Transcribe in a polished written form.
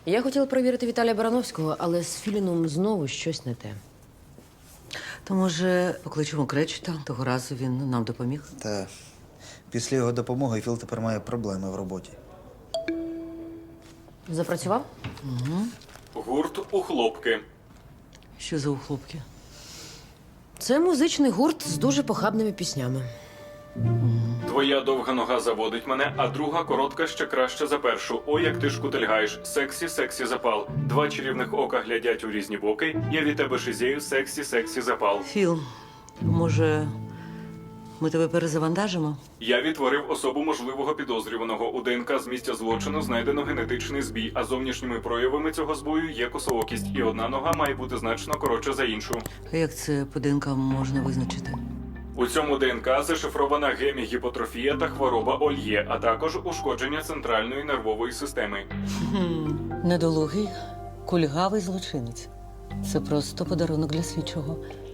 Я хотіла перевірити Віталія Барановського, але з Філіном знову щось не те. То, може, покличемо Кречета? Того разу він нам допоміг. Та після його допомоги Філ тепер має проблеми в роботі. Запрацював? Гурт у хлопки. Що за ухлопки? Це музичний гурт з дуже похабними піснями. Твоя довга нога заводить мене, а друга коротка ще краще за першу. Ой, як ти шкутильгаєш. Сексі, сексі запал. Два чарівних ока глядять у різні боки. Я від тебе шизею, сексі, сексі запал. Філ, може, ми тебе перезавантажимо? Я відтворив особу можливого підозрюваного. У ДНК з місця злочину знайдено генетичний збій, а зовнішніми проявами цього збою є косоокість. І одна нога має бути значно коротша за іншу. А як це по ДНК можна визначити? У цьому ДНК зашифрована гемігіпотрофія та хвороба Ольє, а також ушкодження центральної нервової системи. Недолугий, кульгавий злочинець. Це просто подарунок для слідчого.